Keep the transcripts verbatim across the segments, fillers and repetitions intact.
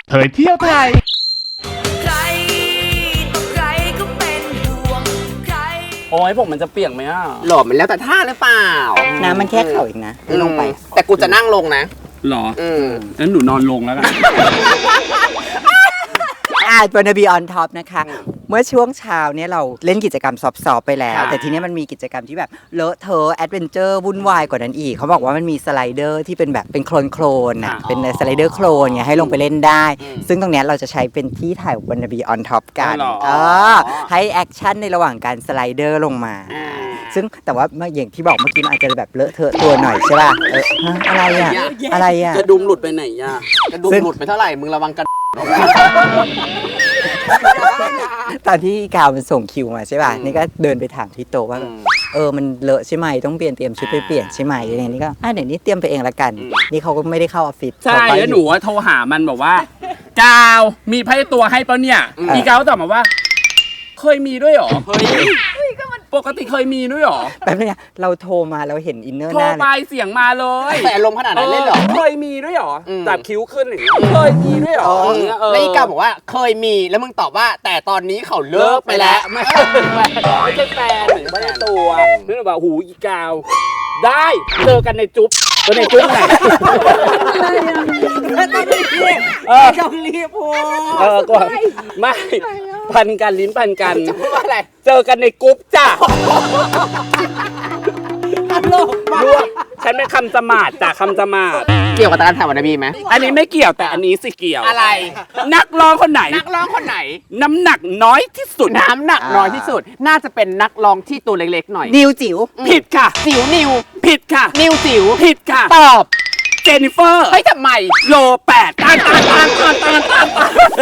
เผยเที่ยวไทยใครต่อใครก็เป็นห่วงใครโอ้ยผมมันจะเปียกไหมอ่ะหล่อมันแล้วแต่ท่าหรือเปล่าน้ำมันแค่เข่าเองนะไม่ลงไปแต่กูจะนั่งลงนะหรออืมงั้นหนูนอนลงแล้วกันอ่าบนบีออนท็อปนะคะเมื่อช่วงเช้าเนี่ยเราเล่นกิจกรรมซอฟต์ๆไปแล้วแต่ทีนี้มันมีกิจกรรมที่แบบเลอะเทอะแอดเวนเจอร์วุ่นวายกว่านั้นอีกเขาบอกว่ามันมีสไลเดอร์ที่เป็นแบบเป็นโคลนโคลนอ่ะเป็นสไลเดอร์โคลนไงให้ลงไปเล่นได้ซึ่งตรงนี้เราจะใช้เป็นที่ถ่ายบนบีออนท็อปกันเออให้แอคชั่นในระหว่างการสไลเดอร์ลงมาซึ่งแต่ว่าอย่างที่บอกเมื่อกี้มันอาจจะแบบเลอะเทอะตัวหน่อยใช่ป่ะเอออะไรอ่ะอะไรอ่ะกระดุมหลุดไปไหนอ่ะกระดุมหลุดไปเท่าไหร่มึงระวังกระตอนที่กาวมันส่งคิวมาใช่ป่ะนี่ก็เดินไปถามที่โต๊ะว่าเออมันเลอะใช่ไหมต้องเปลี่ยนเตรียมชุดไปเปลี่ยนใช่ไหมอะไรนี่ก็อ่ะเดี๋ยวนี้เตรียมไปเองละกันนี่เขาก็ไม่ได้เข้าออฟฟิศใช่แล้วหนูว่าโทรหามันบอกว่ากาวมีไพ่ตัวให้ปะเนี่ยอีกาวตอบมาว่าเคยมีด้วยหรอเฮ้ยปกติเคยมีด้วยหรอแป๊บนึงเราโทรมาเราเห็นอินเนอร์โทรไปเสียงมาเลยแต่อารมณ์ขนาดนั้นเล่นหรอเคยมีด้วยหรอจับคิ้วขึ้นหรือเคยมีด้วยหรอแล้วอีกาบอกว่าเคยมีแล้วมึงตอบว่าแต่ตอนนี้เขาเลิกไปแล้วไม่ใช่ไม่ใช่แฟนหรือไม่ใช่ตัวนึกว่าหูอีกาวได้เจอกันในจุ๊บก็ในจุ๊บไหนต้องรีบเออต้องรีบโอ้เออก็ไม่พันกันลิ้นพันกันจะพูดว่าอะไรเจอกันในกรุ๊ปจ้ะรู้ฉันเป็นคำสมาดจ้ะคำสมาดเกี่ยวกับการถ่ายวันบีไหมอันนี้ไม่เกี่ยวแต่อันนี้สิเกี่ยวอะไรนักร้องคนไหนนักร้องคนไหนน้ำหนักน้อยที่สุดน้ำหนักน้อยที่สุดน่าจะเป็นนักร้องที่ตัวเล็กๆหน่อยนิวจิ๋วผิดค่ะจิ๋วนิวผิดค่ะนิวจิ๋วผิดค่ะตอบเจนนิเฟอร์เฮ้ยทำไมโลแปดตานตานตานตานตานตาน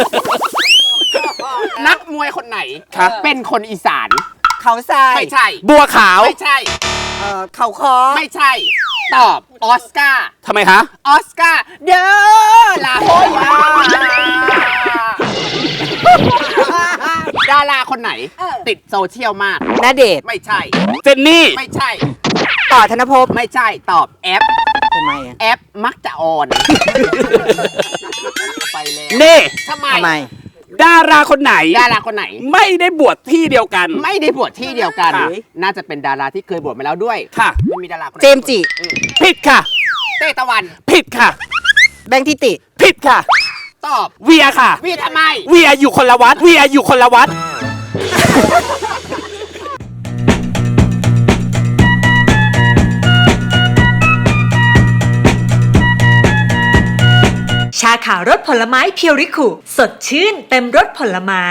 นักมวยคนไหนเป็นคนอีสานเขาทรายไม่ใช่บัวขาวไม่ใช่เอ่อเขาคอไม่ใช่ตอบออสการ์ทำไมคะออสการ์เด้อลาโฮยาดาราคนไหนติดโซเชียลมากณเดชน์ไม่ใช่เจนนี่ไม่ใช่ต่อธนภพไม่ใช่ตอบแอปทำไมอ่ะแอปมักจะออนไปแล้วนี่ทำไมทำไมดาราคนไหนดาราคนไหนไม่ได้บวชที่เดียวกันไม่ได้บวชที่เดียวกันน่าจะเป็นดาราที่เคยบวชมาแล้วด้วยค่ะไม่มีดาราคนไหนเจมส์จิผิดค่ะเต้ตะวันผิดค่ะแบงค์ทิติผิดค่ะตอบเวียค่ะเวียทำไมเวียอยู่คนละวัดเวียอยู่คนละวัดชาขาวรสผลไม้เพียวริคุสดชื่นเต็มรสผลไม้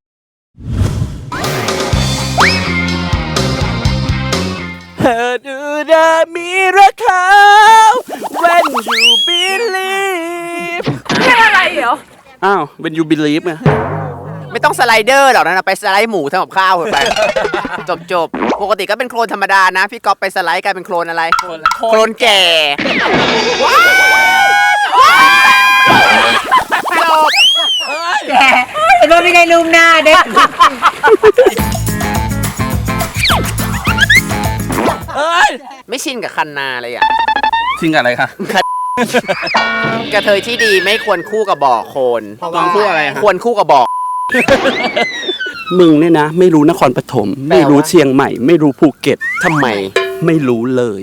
เธอดูได้มีราคา when you believe เป็นอะไรเหรออ้าว when you believe ไงไม่ต้องสไลเดอร์หรอกนะไปสไลด์หมูทำกับข้าวไปจบจบปกติก็เป็นโคลนธรรมดานะพี่ก๊อฟไปสไลด์กลายเป็นโคลนอะไรโคลนแก่จบแกไอ้โดนไม่ได้ลืมหน้าเด็กเฮ้ยไม่ชินกับคันนาเลยอ่ะชินกับอะไรคะกระเทยที่ดีไม่ควรคู่กับบ่อโคลนต้องคู่อะไรควรคู่กับบ่อมึงเนี่ยนะไม่รู้นครปฐมไม่รู้เชียงใหม่ไม่รู้ภูเก็ตทำไมไม่รู้เลย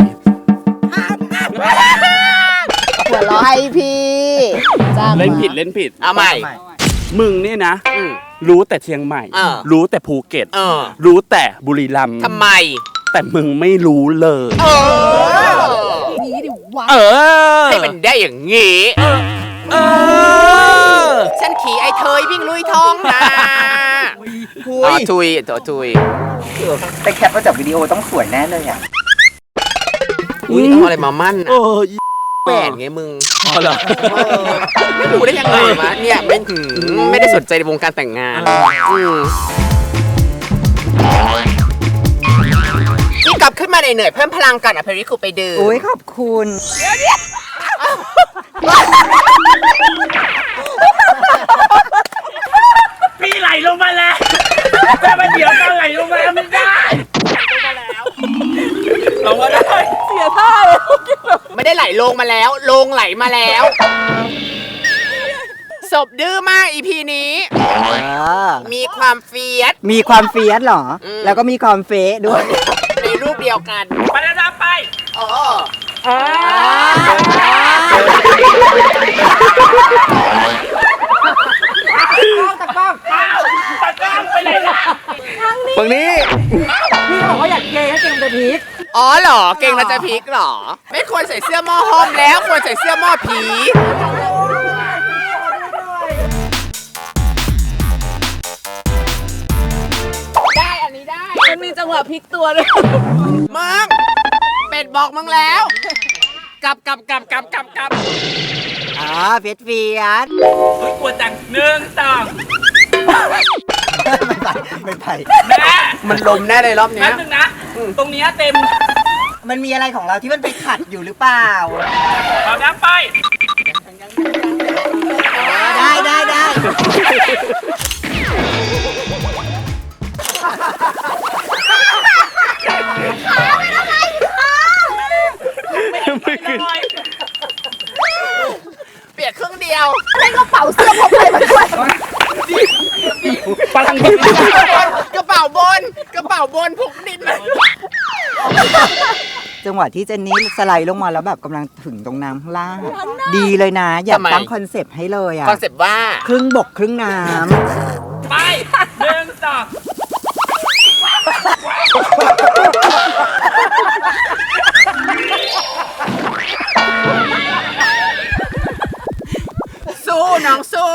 หัวเราะให้พี่เล่นผิดเล่นผิดเอาใหม่มึงเนี่ยนะรู้แต่เชียงใหม่รู้แต่ภูเก็ตรู้แต่บุรีรัมย์ทำไมแต่มึงไม่รู้เลยเออนี่ดิวะเออให้มันได้อย่างงี้เออฉันขี่ไอ้เทยวิ่งลุยท้องนะทุยทุยตัวทุยแต่แคปมาจากวิดีโอต้องสวยแน่เลยอ่ะอุ้ยต้องอะไรมามั่นแปดไงมึงไม่รู้ได้ยังไงวะเนี่ยไม่ไม่ได้สนใจในวงการแต่งงานนี่กลับขึ้นมาเหนื่อยเพิ่มพลังกันอ่ะเพริคุไปดื่มโอ้ยขอบคุณพี่ไหลลงมาแล้วแต่มันเดี๋ยวตอนไหลลงมาไม่ได้ลงมาได้เสียท่าเลยไม่ได้ไหลลงมาแล้วลงไหลมาแล้วศพดื้อมากอีพีนี้เออมีความเฟียสมีความเฟียสเหรออืมแล้วก็มีความเฟะด้วยในรูปเดียวกันไปนะจ๊ะไปอ๋อตะกล้องตะกร้างไปไหนล่ะฝั่งนี้พี่บอกว่าอยากเกย์ให้เกย์จะพีคอ๋อเหรอ เก่งแล้วจะพลิกเหรอ ไม่ควรใส่เสื้อหม้อห้อมแล้ว ควรใส่เสื้อหม้อผี ได้อันนี้ได้มันมีจังหวะพลิกตัวด้วยมึง เป็ดบอกมึงแล้ว กลับกลับกลับกลับกลับกลับอ๋อเฟียสเฟียสเฮ้ยกลัวจังหนึ่งสองไม่ไปไม่ไปแม่มันลมแน่เลยรอบเนี้แป๊ยบนึงนะ ตรงเนี้ยเต็มมันมีอะไรของเราที่มันไปขัดอยู่หรือเปล่าเอาน้ำไปได้ได้ได้ไม่ขึ้นเปียกครึ่งเดียวพลังดินกระเป๋าบน กระเป๋าบนพกดินมาจังหวะที่เจนนี่สไลด์ลงมาแล้วแบบกำลังถึงตรงน้ำข้างล่าง ดีเลยนะ อยากตั้งคอนเซปต์ให้เลยอ่ะคอนเซ็ปต์ว่าครึ่งบกครึ่งน้ไปหนึ่งสองสู้น้องสู้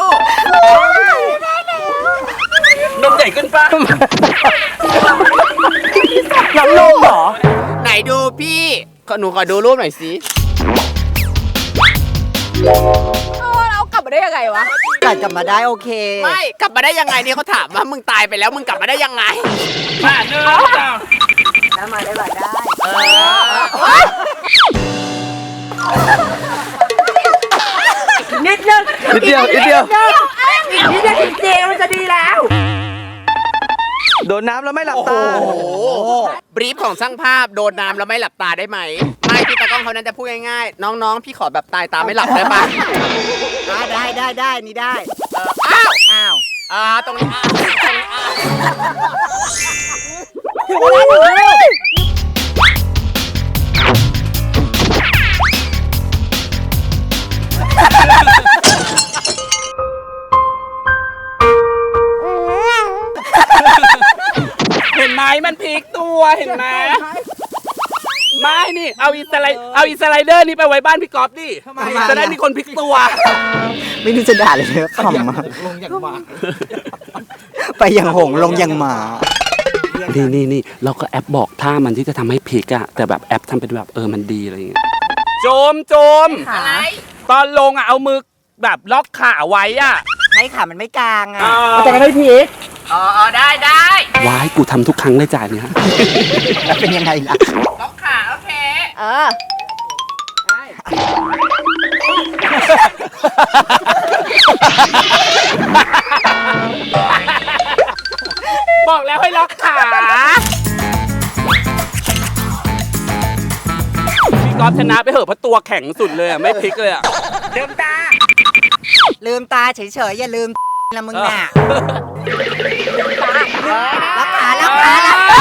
นมใหญ่ขึ้นปะำแล้วลงเหรอไหนดูพี่ขอหนูขอดูรูปหน่อยสิเรากลับมาได้ยังไงวะกัดกลับมาได้โอเคไม่กลับมาได้ยังไงเนี่ยเขาถามว่ามึงตายไปแล้วมึงกลับมาได้ยังไงมาหนึ่งสองได้มาได้มาได้เออนิดนึงนิดเดียวนิดเดียวนิดนึงจริงๆมันจะดีแล้วโดนน้ำแล้วไม่หลับตาโอ้โหบรีฟของช่างภาพโดนน้ำแล้วไม่หลับตาได้ไหมไม่พี่ตากล้องเขานั้นจะพูดง่ายๆน้องๆพี่ขอแบบตายตาไม่หลับได้ปะอ่าได้ได้ได้นี่ได้เอออ้าวอ้าวอ่าตรงนี้อ่าตรงนี้อ่าเห็นไหมมันพลิกตัวเห็นไหมไม่นี่เอาอีสไลเอาอีสไลเดอร์นี่ไปไว้บ้านพี่ก๊อฟดิจะได้มีคนพลิกตัวไม่รู้จะด่าเลยเลยขำมากไปอย่างหงส์ลงอย่างหมานี่นี่นี่เราก็แอปบอกท่ามันที่จะทำให้พลิกอะแต่แบบแอปทำเป็นแบบเออมันดีอะไรอย่างเงี้ยโจมโจมอะไรตอนลงอะเอามือแบบล็อกขาไว้อะให้ขามันไม่กลางอ่ะอ่ามันจะไม่พีกอ๋ออ๋อได้ได้วายกูทำทุกครั้งเลยจ่ายเนี่ยแล้วเป็นยังไงล่ะล็อกขาโอเคเออบอกแล้วให้ล็อกขาพี่ก๊อฟชนะไปเหอะเพราะตัวแข็งสุดเลยอะไม่พลิกเลยอะลืมตา ลืมตาเฉยๆอย่าลืมละมึงน่ะรักขารักขารักขา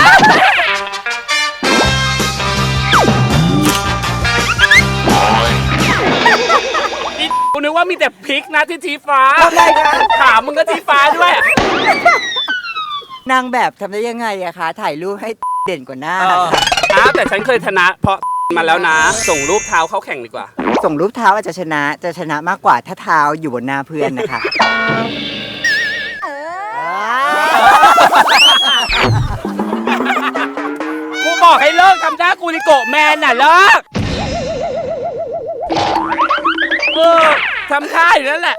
นี่กูนึกว่ามีแต่พลิกนะที่ชี้ฟ้าทำไรคะขามึงก็ชี้ฟ้าด้วยนางแบบทำได้ยังไงอะคะ ถ่ายรูปให้เด่นกว่าหน้าเอออ้าวแต่ฉันเคยชนะ เพราะมาแล้วนะ ส่งรูปเท้าเข้าแข่งดีกว่าส่งรูปเท้าอาจจะชนะ จะชนะมากกว่าถ้าเท้าอยู่บนหน้าเพื่อนนะคะกูบอกให้เลิกทำท่ากูริโกะแมนน่ะเลิกเออทำท่าอยู่นั่นแหละ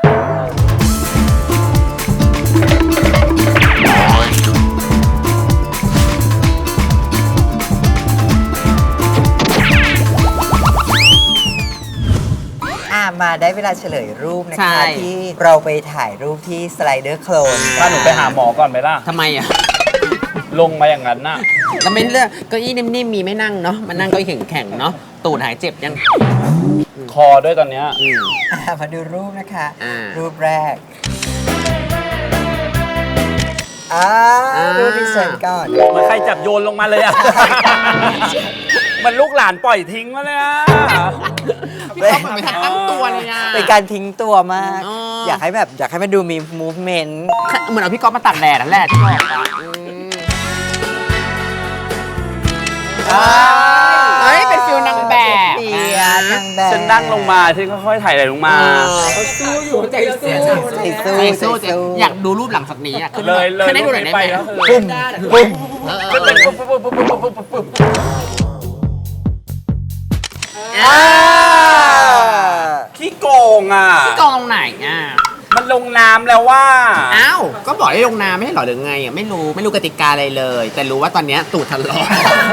อ่ะมาได้เวลาเฉลยรูปนะใช่คะ ที่เราไปถ่ายรูปที่สไลเดอร์โคลนถ้าหนูไปหาหมอก่อนไหมล่ะทำไมอ่ะลงมาอย่างนั้นน่ะแล้วไม่เลือกเก้าอี้นิ่มๆมีไม่นั่งเนาะมันนั่งเก้าอี้แข็งๆเนาะตูดหายเจ็บยังคอด้วยตอนเนี้ยอ่ะมาดูรูปนะคะอ่ารูปแรกอ่าอ่ารูปที่เชิญก่อนเหมือนใครจับโยนลงมาเลยอะ มันลูกหลานปล่อยทิ้งมาเลยอะพี่ก๊อฟเหมือนไปทางตั้งตัวเลยอ่ะเป็นการทิ้งตัวมากอ๋อออยากให้แบบอยากให้มันดูมี movement เหมือนเอาพี่ก๊อฟมาตัดแดดนั่นแหละที่บอกอะอืมเฮ้ยเป็นฟิลนางแบบเปียนางแบบฉันนั่งลงมาฉันค่อยๆถ่ายไหลลงมาเขาสู้อยู่ใจสู้ใจสู้ใจสู้ใจสู้อยากดูรูปหลังจากนี้อ่ะขึ้นเลยเลยขึ้นให้ดูหน่อยได้ไปไหมแล้วปุ้มปุ้มเออเอก็อเป็นปุ๊บปุ๊บปุ๊บปุ๊บปุ๊บปุ๊บปุ๊บอ่าขี้โกงอ่ะพี่กองไหนอ่ะมันลงน้ำแล้วว่าอ้าวก็บอกให้ลงน้ำไม่ให้หรอหรือไงอ่ะไม่รู้ไม่รู้กติกาอะไรเลย แต่รู้ว่าตอนเนี้ยตูดทะลอ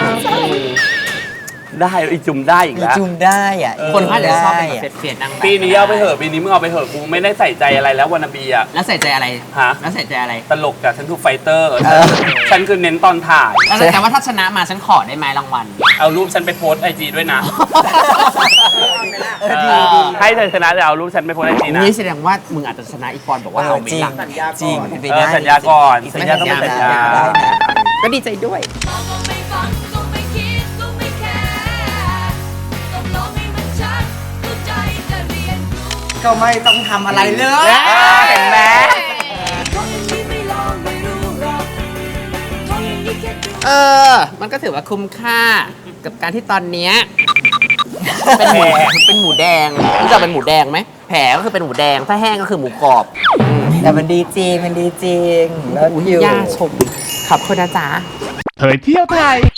ได้อีจุ่มได้อีกมีแล้วจุ่มได้อ่ะคนเขาจะชอบเป็นได้แบบเฟียดๆนางแบบปีนี้เอาไปเถอะปีนี้มึงเอาไปเถอะกูไม่ได้ใส่ใจอะไรแล้ววานาบีอ่ะแล้วใส่ใจอะไรฮะแล้วใส่ใจอะไรตลกอะฉันคือไฟเตอร์ฉันคือเน้นตอนถ่ายแล้วแต่ว่าถ้าชนะมาฉันขอได้ไหมรางวัลเอารูปฉันไปโพสไอจีด้วยนะเออดีดีให้เธอชนะแต่เอารูปฉันไปโพสไอจีนะนี่แสดงว่ามึงอาจจะชนะอีกปอนบอกว่าเอาไม่จริงหลังจริงเป็นไปเอได้อสัญญาก่อนอีสัญญาต้องเป็นสัญญาได้นะก็ดีใจด้วยมองก็ไม่ฟังก็ไม่คิดก็ไม่แคร์ต้องลองให้มันชัดเข้าใจจะเรียนรู้ก็ไม่ต้องทำอะไรเลยเห็นไหมเพราะอย่างนี้ไม่ลองไม่รู้หรอกเพราะอย่างนี้แค่ดูเออ มันก็ถือว่าคุ้มค่ากับการที่ตอนเนี้ยเป็นหมูเป็นหมูแดงรู้จักเป็นหมูแดงไหมแผลก็คือเป็นหมูแดงถ้าแห้งก็คือหมูกรอบแต่มันดีจริง มันดีจริงแล้วอยู่ย่าชมขอบคุณนะจ๊ะเผยเที่ยวไทย